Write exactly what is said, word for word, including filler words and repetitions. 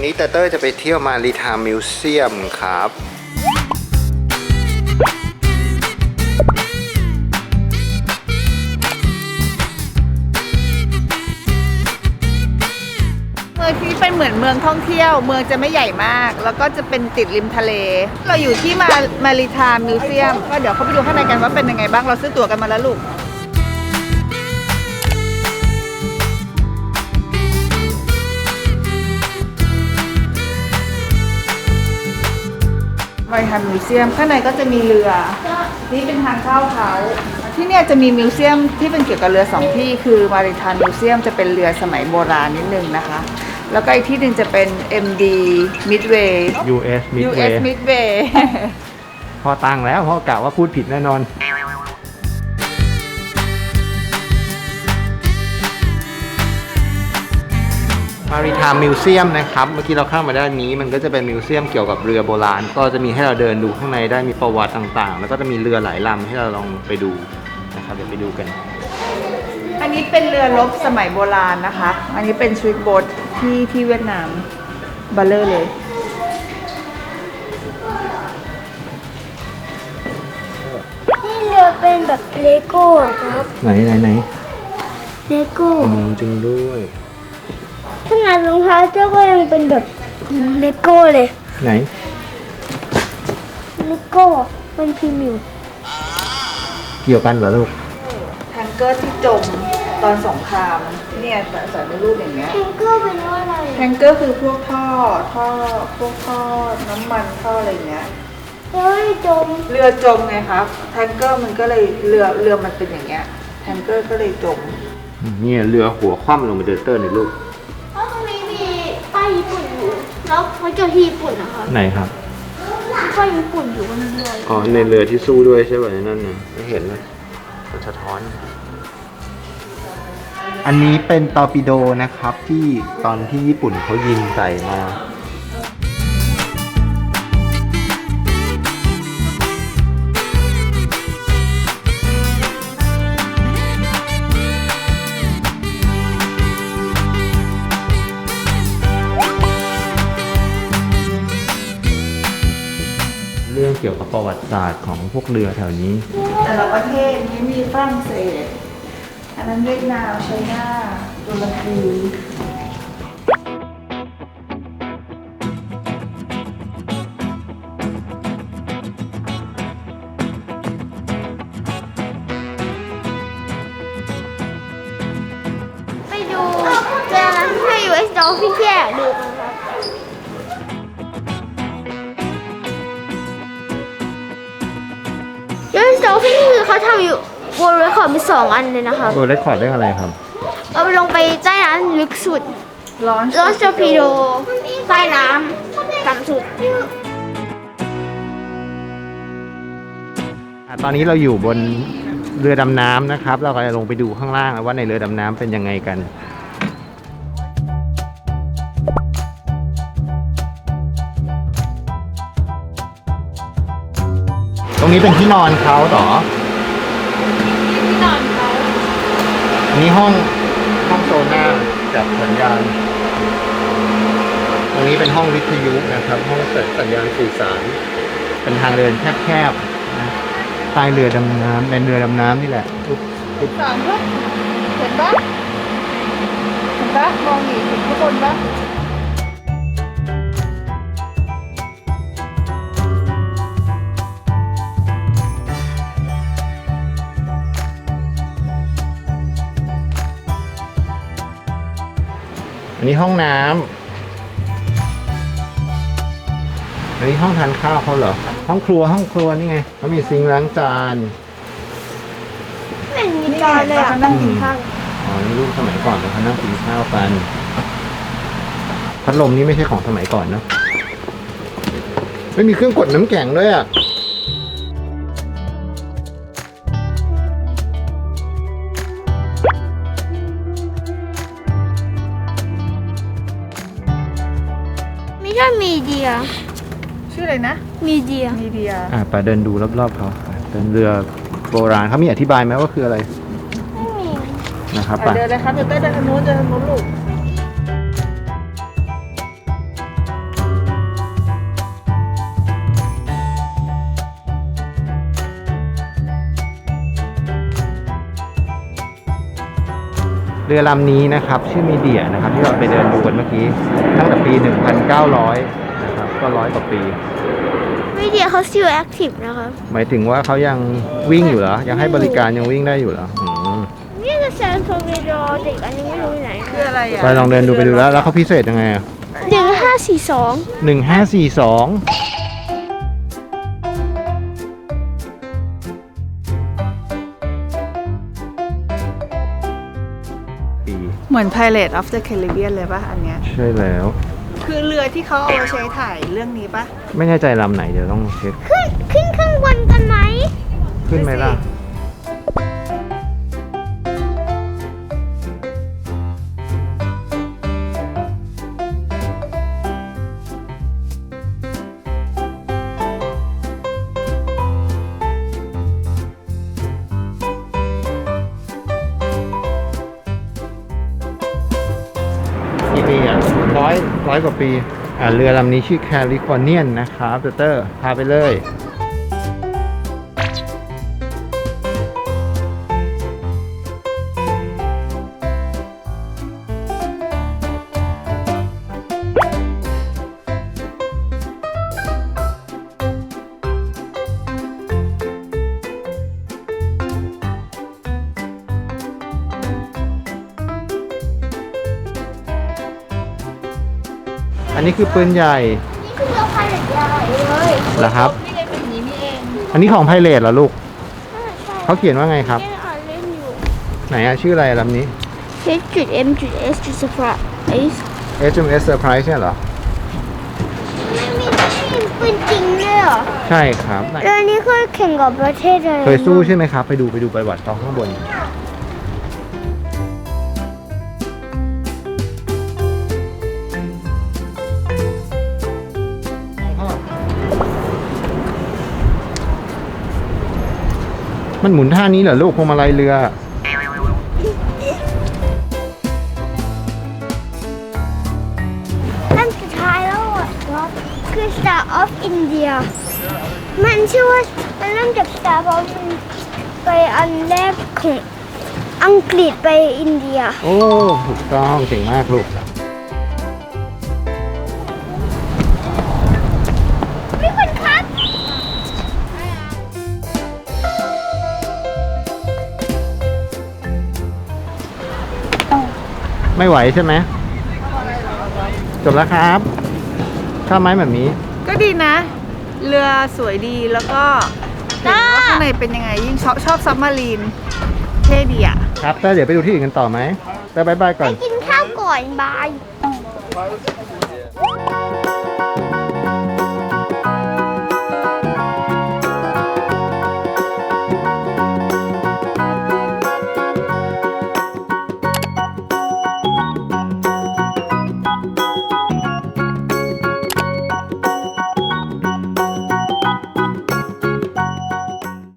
นี้เตอร์เต้จะไปเที่ยวมารีไทม์มิวเซียมครับเมืองที่เป็นเหมือนเมืองท่องเที่ยวเมืองจะไม่ใหญ่มากแล้วก็จะเป็นติดริมทะเลเราอยู่ที่มามารีไทม์มิวเซียมก็เดี๋ยวเขาไปดูข้างในกันว่าเป็นยังไงบ้างเราซื้อตั๋วกันมาแล้วลูกมารีไทม์มิวเซียมข้างในก็จะมีเรือนี่เป็นทางเข้าเขาที่เนี่ยจะมีมิวเซียมที่เป็นเกี่ยวกับเรือสองที่คือมารีไทม์มิวเซียมจะเป็นเรือสมัยโบราณนิดนึงนะคะแล้วก็อีกที่หนึ่งจะเป็น เอ็ม ดี Midway ยู เอสยู เอส Midway Midway พอตั้งแล้วพ่อกะว่าพูดผิดแน่นอนมารีไทม์มิวเซียมนะครับเมื่อกี้เราเข้ามาด้านนี้มันก็จะเป็นมิวเซียมเกี่ยวกับเรือโบราณก็จะมีให้เราเดินดูข้างในได้มีประวัติต่างๆแล้วก็จะมีเรือหลายลำให้เราลองไปดูนะครับเดี๋ยวไปดูกันอันนี้เป็นเรือรบสมัยโบราณนะคะอันนี้เป็นสวิตโบ๊ทที่ที่เวียดนามบัลเลอร์เลยนี่เรือเป็นแบบเลโก้ครับไหนไหนไหนเลโก้จริงด้วยขนาดรองเท้าเจ้าก็ยังเป็นแบบเลโก้เลยไหนเลโก้เป็นพรีเมียมเกี่ยวกันเหรอลูกแทงเกอร์ที่จมตอนสงครามเนี่ยใส่ในรูปอย่างเงี้ยแทงเกอร์เป็นว่าอะไรแทงเกอร์คือพวกท่อท่อพวกท่อน้ำมันท่ออะไรเงี้ยแล้วไม่จมเรือจมไงครับแทงเกอร์มันก็เลยเรือเรือมันเป็นอย่างเงี้ยแทงเกอร์ก็เลยจมเนี่ยเรือหัวคว่ำลงไปเดินเตอร์ในลูกเพราะตรงนี้มีป้ายญี่ปุ่นอยู่แล้วเขาเจอที่ญี่ปุ่นนะคะไหนครับป้ายญี่ปุ่นอยู่บนเรืออ๋อในเรือที่สู้ด้วยใช่ไหมนั่นน่ะไม่เห็นเลยมันสะท้อนอันนี้เป็นตอร์ปิโดนะครับที่ตอนที่ญี่ปุ่นเขายิงใส่มาเรื่องเกี่ยวกับประวัติศาสตร์ของพวกเรือแถวนี้แต่ละประเทศนี้มีฝรั่งเศสอันนั้นเวียดนามไชน่าตุรกีไปดูเรือนั้นให้ ยู เอส Dolphin ที่แอบดูกันครับยู เอส Dolphin นี่คือเขาทำอยู่World Record มีสองอันเลยนะคะ World Record ได้อะไรครับเอาไปลงไปใต้น้ำลึกสุดร้อนร้อนจอร์ปิโดใต้น้ำต่ำสุดตอนนี้เราอยู่บนเรือดำน้ำนะครับเราก็จะลงไปดูข้างล่างว่าในเรือดำน้ำเป็นยังไงกันตรงนี้เป็นที่นอนเขาต่อที่นอนเขาอันนี้ห้องห้องโซน่าจับสัญญาณตรงนี้เป็นห้องวิทยุนะครับห้องเสริมสัญญาณสื่อสารเป็นทางเดินแคบๆนะใต้เรือดำน้ำในเรือดำน้ำนี่แหละสามลูกเห็นปะเห็นปะมองอีกเห็นข้างบนปะอันนี้ห้องน้ำอันนี้ห้องทานข้าวเขาเหรอห้องครัวห้องครัวนี่ไงเขามีซิงค์ล้างจานไม่มีจานเลยอ่ะนั่งกินข้าวอ๋อนี่รูปสมัยก่อนเขานั่งกินข้าวกันพัดลมนี่ไม่ใช่ของสมัยก่อนเนอะไม่มีเครื่องกดน้ำแข็งด้วยอ่ะไม่ใช่มีเดียชื่ออะไรนะมีเดียมีเดียอ่าไปเดินดูรอบๆเขาเป็นเรือโบราณเขามีอธิบายไหมว่าคืออะไรไม่มีนะครับไปเดินเลยครับเดินได้ทางโน้นเดินทางโน้นลูกเรือลำนี้นะครับชื่อมีเดียนะครับที่เราไปเดินดูกันเมื่อกี้ตั้งแต่ปี หนึ่งพันเก้าร้อย นะครับก็ร้อยกว่าปีวิดีโอเขาซิลแอคทีฟนะคะหมายถึงว่าเขายังวิ่งอยู่เหรอ ยังให้บริการยังวิ่งได้อยู่เหรออืมนี่คือแซนโทเรโดเด็กอันนี้ไม่รู้อยู่ไหนคืออะไรอ่ะไปลองเดินดูไปดูแล้ว แล้วเขาพิเศษยังไงอ่ะหนึ่งห้าสี่สองหนึ่งห้าสี่สองปีเหมือน Pirate of the Caribbean เลยป่ะอันเนี้ยใช่แล้วคือเรือที่เขาเอาไว้ใช้ถ่ายเรื่องนี้ป่ะไม่แน่ใจลำไหนเดี๋ยวต้องเช็คขึ้นขึ้นข้างบนกันไหมขึ้นไหมล่ะ กี่ปีอ่ะร้อยร้อยกว่าปี อ่าเรือลำนี้ชื่อแคลิฟอร์เนียนนะครับเตเตอร์พาไปเลย อันนี้คือปืนใหญ่นี่คือเรือพายเรือใหญ่เลยเหรอครับนี่ไงเป็นอย่างนี้นี่เองอันนี้ของไพเรตเหรอลูกใช่ใช่เขาเขียนว่าไงครับยังอ่านเล่นอยู่ไหนอะชื่ออะไรลำนี้ H จุด M จุด S จุด surprise เอช เอ็ม เอส Surprise เนี่ยเหรอไม่มีที่ปืนจริงเลยเหรอใช่ครับไหนเรือนี้เคยแข่งกับประเทศอะไรเคยสู้ใช่ไหมครับ ไปดูไปดูประวัติเขาข้างบน มันหมุนท่านี้เหรอลูกพวงมาลัยเรือลำสุดท้ายแล้วอ่ะคือ Star of India มันชื่อว่ามันเริ่มจาก Star เพราะมันไปอันแรกของอังกฤษไปอินเดียโอ้ถูกต้องเก่งมากลูกพี่คุณครับไม่ไหวใช่ไหมจบแล้วครับข้ามไม้แบบนี้ก็ดีนะ เรือสวยดีแล้วก็เห็นว่าข้างในเป็นยังไง ยิ่งชอบชอบซับมารีนเท่ดีอ่ะครับแต่เดี๋ยวไปดูที่อื่นกันต่อไหมแต่บายบายก่อนกินข้าวก่อนบาย